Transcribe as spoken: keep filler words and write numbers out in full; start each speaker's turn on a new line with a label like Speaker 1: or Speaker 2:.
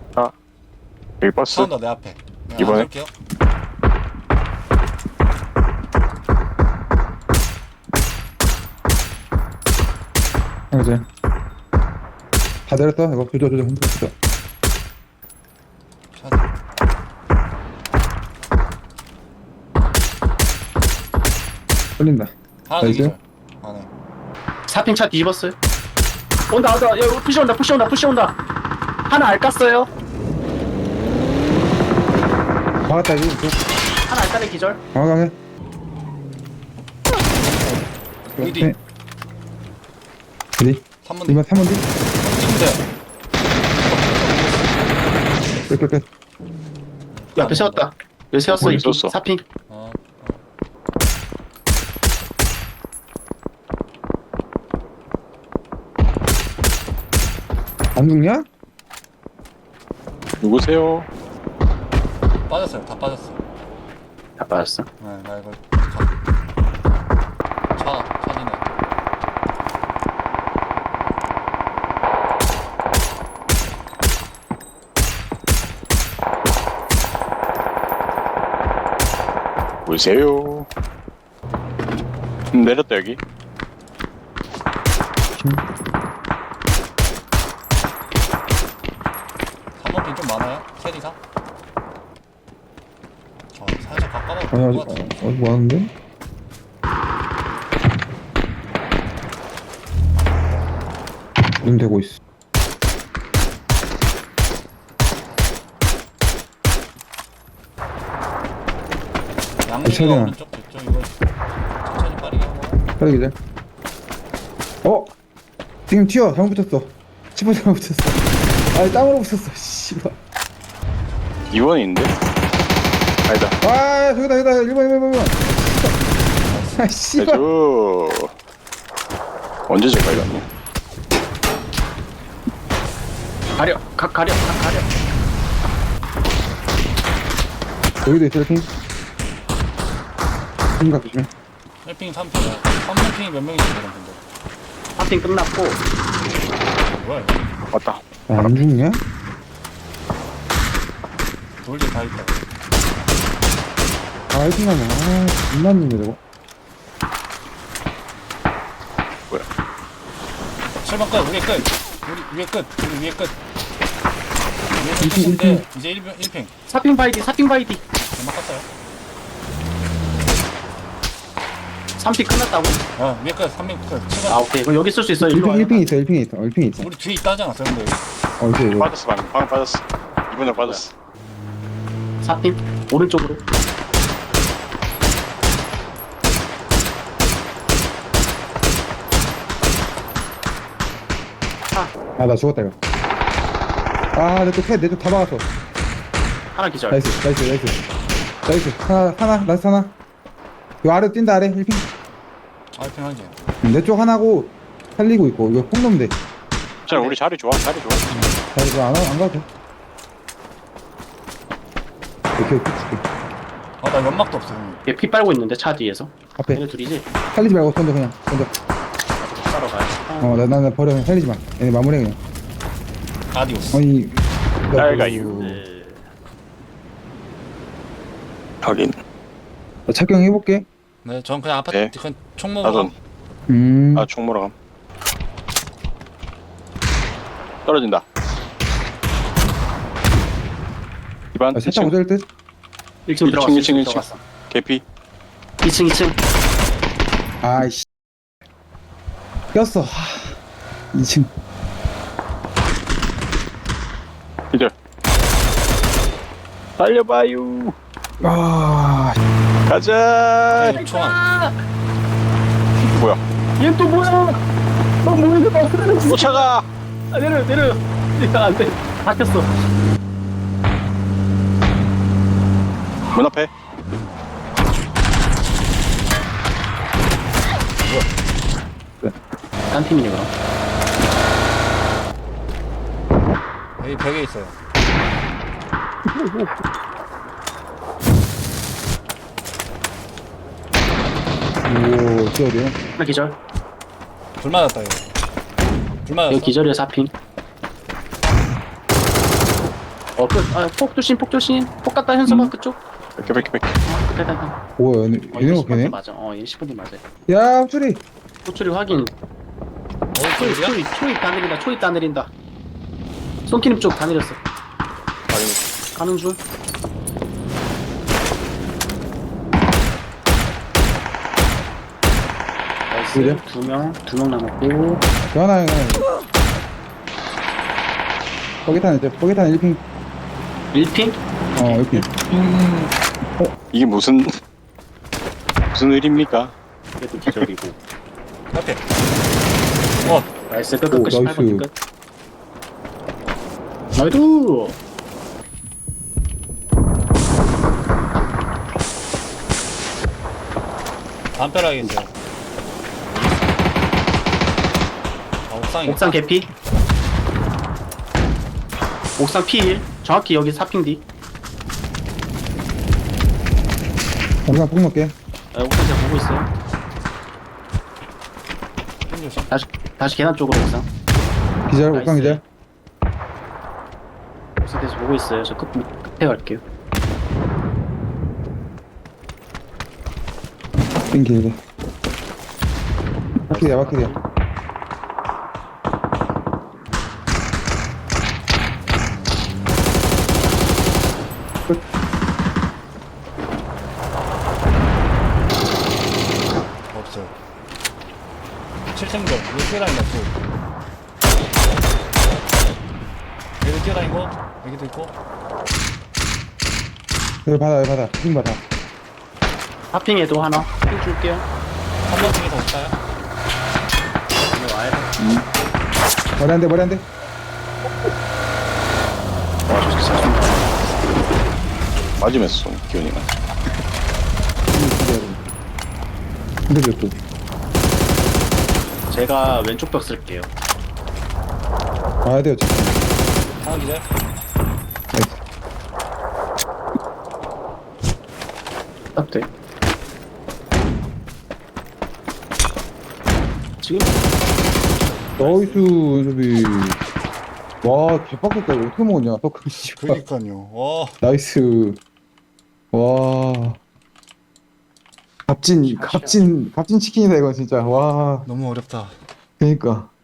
Speaker 1: 아 여기 버스.
Speaker 2: 차온다 내 앞에. 내가
Speaker 1: 이번에?
Speaker 2: 안갈게요.
Speaker 3: 하나 더. 다 내렸다. 이거 조져 조져 흔들어 조져.
Speaker 2: 차
Speaker 3: 걸린다.
Speaker 2: 하나 더
Speaker 3: 나이스.
Speaker 2: 기절. 안에.
Speaker 4: 사핑 차 뒤집었어요. 온다 온다. 야 푸시 온다 푸시 온다 푸시 온다. 하나 알 깠어요.
Speaker 3: 막았다 이거. 이거.
Speaker 4: 하나 알 까는 기절.
Speaker 3: 강하강해.
Speaker 2: 여기 뒤.
Speaker 3: 네. 어디?
Speaker 2: 삼 번 뒤.
Speaker 3: 이번 삼 번 뒤.
Speaker 2: 찍으면 돼요.
Speaker 3: 끝, 끝, 끝.
Speaker 4: 야, 앞에 세웠다. 여기 세웠어.
Speaker 1: 어디
Speaker 4: 이
Speaker 1: 있었어?
Speaker 4: 사핑.
Speaker 2: 어.
Speaker 3: 안 죽냐?
Speaker 1: 누구세요?
Speaker 2: 빠졌어요. 다 빠졌어.
Speaker 4: 다 빠졌어.
Speaker 2: 네, 나 이거 가. 차 차지네.
Speaker 1: 누구세요? 음, 내렸다 여기.
Speaker 2: 삼 번 핀 좀 많아요? 셋 이상? 저 살짝 가까워
Speaker 3: 아니,
Speaker 2: 보일
Speaker 3: 아직,
Speaker 2: 것 같은데.
Speaker 3: 어, 아직 많은데? 눈 대고 있어.
Speaker 2: 양쪽이
Speaker 3: 차량아.
Speaker 2: 오른쪽 저쪽 이거 천천히 빠르게 하고.
Speaker 3: 빨리 기자. 어? 지금 튀어. 잘못 붙였어. 치퍼 잘못 붙였어. 아니, 땅으로 붙였어. 씨발.
Speaker 1: 이 번인데? 아니다.
Speaker 3: 아, 저기다, 저기다. 일 번, 일 번, 일 번. 아, 씨발.
Speaker 1: 해줘. 언제 저까지 갔니?
Speaker 4: 가려. 각 가려. 각 가려.
Speaker 3: 여기도 있어, 이렇게. 생각 조심.
Speaker 2: 일 핑 삼 핑. 삼 번 핑이 몇 명이지 그럼 근데.
Speaker 4: 사핑 끝났고.
Speaker 2: 뭐야 이거.
Speaker 1: 왔다.
Speaker 3: 야, 안 죽냐?
Speaker 2: 돌들 다 있다.
Speaker 3: 아, 일 등 하면. 아, 존나 죽네, 저거.
Speaker 1: 뭐야?
Speaker 2: 칠 번 끝. 우리 끝. 우리 위에 끝. 우리 위에 끝. 위에
Speaker 3: 일 핑, 일
Speaker 2: 끝인데 이제 일 핑. 일 핑.
Speaker 4: 사핑 바이디. 사핑 바이디.
Speaker 2: 얼마 깠어요?
Speaker 4: 삼 핑 끝났다고?
Speaker 2: 어 위에 끝. 삼 핑 끝. 칠 번.
Speaker 4: 아 오케이. 그럼 여기 쓸 수 있어. 일로 와.
Speaker 3: 일 핑 있어, 일 핑 있어. 일 핑 있어.
Speaker 2: 우리 뒤에 있다 하지 않았어요 근데 여기?
Speaker 3: 어, 이거, 이거.
Speaker 1: 빠졌어 방금. 방금 빠졌어. 이번에 빠졌어.
Speaker 4: 사핑 오른쪽으로.
Speaker 3: 아, 나 죽었다, 이거. 아, 내 쪽 패, 내 쪽 다 막았어.
Speaker 4: 하나 기절.
Speaker 3: 나이스, 나이스, 나이스. 나이스. 하나, 하나, 나이스, 하나. 요 아래 뛴다, 아래. 일 핑.
Speaker 2: 아 일 핑 하지.
Speaker 3: 내 쪽 하나고 살리고 있고. 이거 폭 넣으면 돼.
Speaker 1: 자 우리 자리 좋아. 자리 좋아.
Speaker 3: 자, 이거 안, 하- 안 가도 돼. 이렇게 쭉 줄게.
Speaker 2: 아나 연막도 없어 형님.
Speaker 4: 얘 피 빨고 있는데 차 뒤에서.
Speaker 3: 앞에.
Speaker 4: 얘네 둘이지?
Speaker 3: 살리지 말고 던져, 그냥. 던져.
Speaker 4: 따러 가야
Speaker 3: 어, 나, 나, 나 버려. 그냥 살리지 마. 얘네 마무리해, 그냥.
Speaker 2: 아디오스.
Speaker 3: 아니.
Speaker 1: 날
Speaker 3: 나-
Speaker 1: 가요.
Speaker 4: 네.
Speaker 1: 확인.
Speaker 3: 나 착경해볼게.
Speaker 2: 네, 전 그냥 아파트
Speaker 1: 네.
Speaker 2: 그냥 총 먹으러.
Speaker 1: 나도.
Speaker 3: 음.
Speaker 1: 아 총 몰아감. 떨어진다. 이반
Speaker 3: 아, 살짝
Speaker 1: 이 층
Speaker 3: 오절 듯?
Speaker 4: 일 층 들어갔어.
Speaker 1: 일 층, 일 층.
Speaker 4: 들어갔어.
Speaker 1: 개피.
Speaker 4: 이 층 이 층.
Speaker 3: 아이씨. 꼈어. 이 층.
Speaker 1: 기절. 달려봐요.
Speaker 3: 아,
Speaker 1: 가자.
Speaker 2: 네, 총알.
Speaker 1: 뭐야?
Speaker 4: 얘 또 뭐야? 너 뭐야? 너 쓰러졌어.
Speaker 1: 쫓아가.
Speaker 4: 아, 내려 내려. 야, 안 돼. 바뀌었어.
Speaker 1: 문 앞에.
Speaker 4: 딴 팀이네 그럼.
Speaker 2: 여기 벽에 있어요.
Speaker 3: 오, 저 어디야?
Speaker 4: 하나 기절.
Speaker 2: 불 맞았다 이거. 불 맞았어.
Speaker 4: 여기 기절이야 사핑. 어, 끝. 아, 폭 조심, 폭 조심. 폭 갔다 현수막
Speaker 1: 음.
Speaker 4: 그쪽.
Speaker 1: 백 개, 백 개, 백 개.
Speaker 4: 어, 됐다, 됐다.
Speaker 3: 뭐야 얘네
Speaker 4: 어,
Speaker 3: 얘네가
Speaker 4: 이거 십 번 뒤
Speaker 3: 걔네?
Speaker 4: 맞아. 어, 얘 십 번 뒤 맞아.
Speaker 3: 야 호출이
Speaker 4: 호출이 확인.
Speaker 2: 어,
Speaker 4: 초이,
Speaker 2: 소리야?
Speaker 4: 초이, 초이 다 내린다. 초이 다 내린다. 손키님 쪽 다 내렸어.
Speaker 1: 아니,
Speaker 4: 가는 중.
Speaker 3: 그래?
Speaker 4: 나이스. 두 명, 두 명 남았고.
Speaker 3: 하나 하나 뻐깃하네 이제 뻐깃하네 일 핑
Speaker 4: 일 핑?
Speaker 3: 어 일 핑
Speaker 1: 이게 무슨 무슨 일입니까?
Speaker 4: 그래도 기절이고.
Speaker 2: 앞에. 어,
Speaker 4: 나이스. 끝,
Speaker 3: 오,
Speaker 4: 끝, 끝. 십팔 번
Speaker 3: 나이스.
Speaker 4: 끝. 나이스.
Speaker 2: 담벼락에 있어요. 아, 옥상이.
Speaker 4: 옥상 개피. 옥상 피 일. 정확히 여기 사 핑 뒤.
Speaker 3: 잠깐 폭 먹게
Speaker 4: 아, 옥상 제가 보고 있어요.
Speaker 2: 조심.
Speaker 4: 다시, 다시 계단 쪽으로 옥상.
Speaker 3: 기절
Speaker 4: 나이스.
Speaker 3: 옥강 기절
Speaker 4: 옥상 대서 보고 있어요. 저 끝, 끝에 갈게요.
Speaker 3: 핑 길게 바퀴야 바퀴야
Speaker 2: 없어요. 칠 층들. 여기 뛰어다닌다, 또. 여기도 뛰어다니고, 여기도 있고.
Speaker 3: 여기 받아 여기 받아 핑 받아
Speaker 4: 하핑에도 하나. 핑 줄게요.
Speaker 2: 한 번 중에 더 없어요?
Speaker 4: 이거 와야 돼.
Speaker 3: 머리 안돼 머리 안돼
Speaker 4: 와, 저 새끼 잘쏜다.
Speaker 1: 맞으면서 기운이가.
Speaker 3: 근데 몇 도?
Speaker 4: 제가 왼쪽 벽 쓸게요.
Speaker 3: 와야 돼요 지금
Speaker 2: 하나 기절?
Speaker 3: 나이스.
Speaker 4: 딱 돼. 지금
Speaker 3: 나이스 연습이 와 개빡쳤다 이거 어떻게 먹었냐 석금 씨발
Speaker 2: 그니까요. 와.
Speaker 3: 나이스 와 값진 값진 값진 치킨이다 이건 진짜 와
Speaker 2: 너무 어렵다.
Speaker 3: 그니까